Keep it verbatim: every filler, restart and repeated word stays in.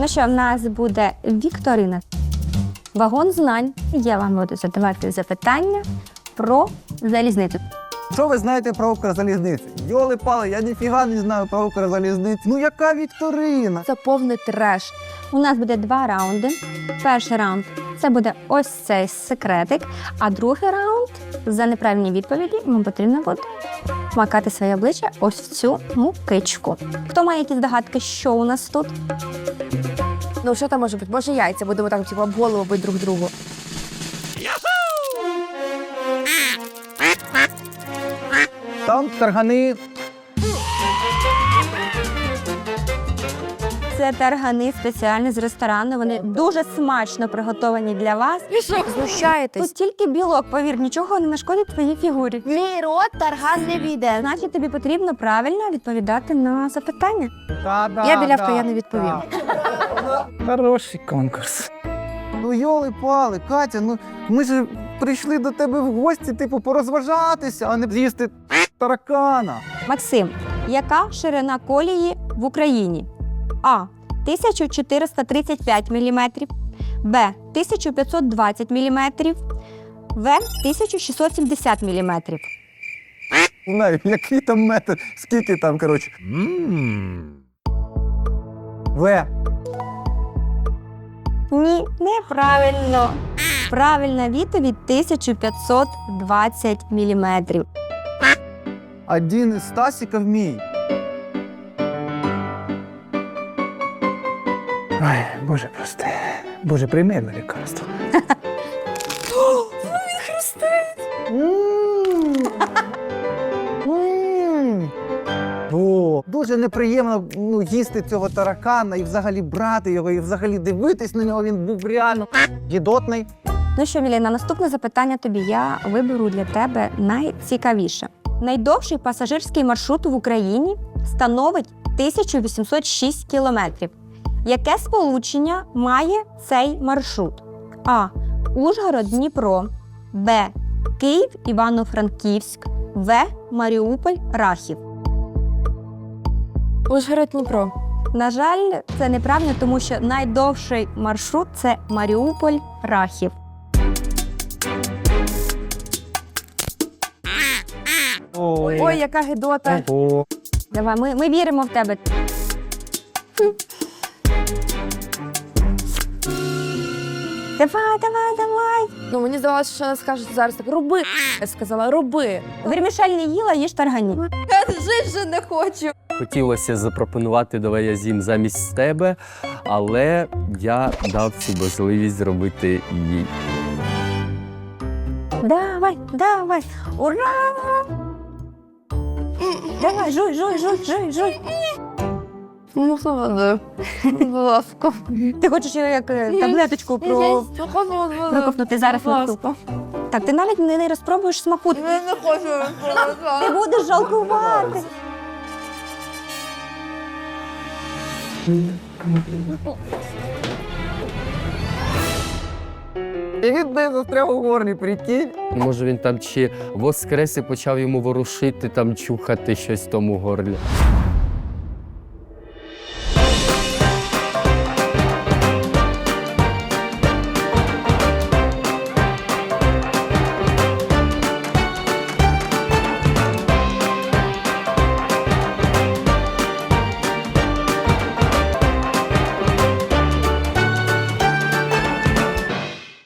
Ну що, в нас буде вікторина. Вагон знань. Я вам буду задавати запитання про залізницю. Що ви знаєте про Укрзалізницю? Йоли-пали, я ніфіга не знаю про Укрзалізницю. Ну яка вікторина? Це повний треш. У нас буде два раунди. Перший раунд – це буде ось цей секретик, а другий раунд – за неправильні відповіді вам потрібно буде макати своє обличчя ось в цю мукичку. Хто має якісь догадки, що у нас тут? Ну, що там може бути? Може, яйця будемо так, типу, об голову бити друг другу. Там таргани. Це таргани спеціально з ресторану. Вони дуже смачно приготовані для вас. Ви що, знущаєтесь? Тут тільки білок, повір, нічого не нашкодить твоїй фігурі. Мій рот тарган не війде. Значить, тобі потрібно правильно відповідати на запитання. Я білявка, я не відповім. Хороший конкурс. Ну йоли-пали, Катя, ну ми ж прийшли до тебе в гості, типу, порозважатися, а не з'їсти таракана. Максим, яка ширина колії в Україні? А. тисяча чотириста тридцять п'ять міліметрів, Б. тисяча п'ятсот двадцять міліметрів, В. тисяча шістсот сімдесят міліметрів. Знаю, який там метр, скільки там, коротше. В. Ні, неправильно. Правильна відповідь – тисяча п'ятсот двадцять міліметрів. Один із Стасіків мій. Ой, Боже прости. Боже, прийми мене лікарство. Він хрустить. О, дуже неприємно ну, їсти цього таракана і взагалі брати його, і взагалі дивитись на нього. Він був реально гідотний. Ну що, Міліна, наступне запитання тобі. Я виберу для тебе найцікавіше. Найдовший пасажирський маршрут в Україні становить тисяча вісімсот шість кілометрів. Яке сполучення має цей маршрут? А. Ужгород, Дніпро. Б. Київ, Івано-Франківськ. В. Маріуполь, Рахів. Ужгород, Дніпро. На жаль, це неправильно, тому що найдовший маршрут – це Маріуполь, Рахів. Ой, Ой, яка гидота. Ого. Давай, ми, ми віримо в тебе. Давай, давай, давай. Ну, мені здавалося, що вона скаже зараз так, роби. Я сказала, роби. Вермішель не їла, їж таргані. Я жити вже не хочу. Хотілося запропонувати, давай я з'їм замість тебе, але я дав цю можливість зробити їй. Давай, давай. Ура! Давай, жуй, жуй, жуй, жуй, жуй. Ну, слава, будь ласка. Ти хочеш його як е, таблеточку про... проковтнути зараз на ту. Так, ти навіть не, не розпробуєш смаку. Я не хочу. Ти будеш жалкувати. І він не застряг у горлі, прикинь. Може він там чи воскрес і почав йому ворушити, там чухати щось в тому горлі.